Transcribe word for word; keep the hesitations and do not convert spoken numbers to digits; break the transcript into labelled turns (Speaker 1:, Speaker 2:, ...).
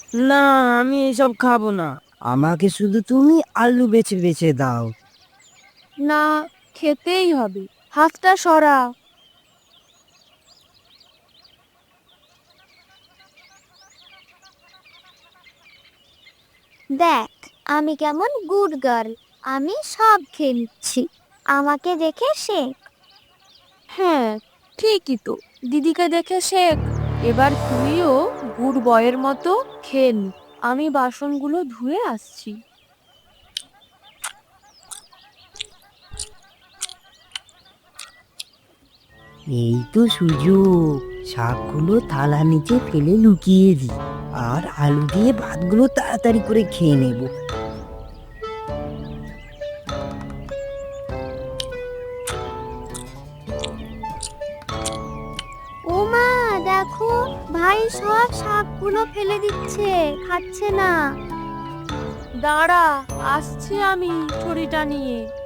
Speaker 1: না, আমি এসব খাবো না। আমাকে শুধু তুমি আলু বেছে বেছে দাও।
Speaker 2: না, খেতেই হবে। হাতটা সরা।
Speaker 3: দেখ, আমি কেমন গুড গার্ল, আমি সব খেয়ে নিচ্ছি, আমাকে দেখে শেখ।
Speaker 2: হ্যাঁ, ঠিকই তো। দিদিকে দেখে শেখ। এবার তুইও গুড বয়ের মতো খেয়ে নি। আমি বাসনগুলো ধুয়ে আসছি।
Speaker 1: এই তো সুযোগ, শাকগুলো থালা নিচে ফেলে লুকিয়ে দিই, আর আলু দিয়ে ভাতগুলো তাড়াতাড়ি করে খেয়ে নেব।
Speaker 3: ও মা, দেখো, ভাই সব শাকগুলো ফেলে দিচ্ছে, খাচ্ছে না।
Speaker 2: দাঁড়া, আসছি আমি ছড়িটা নিয়ে।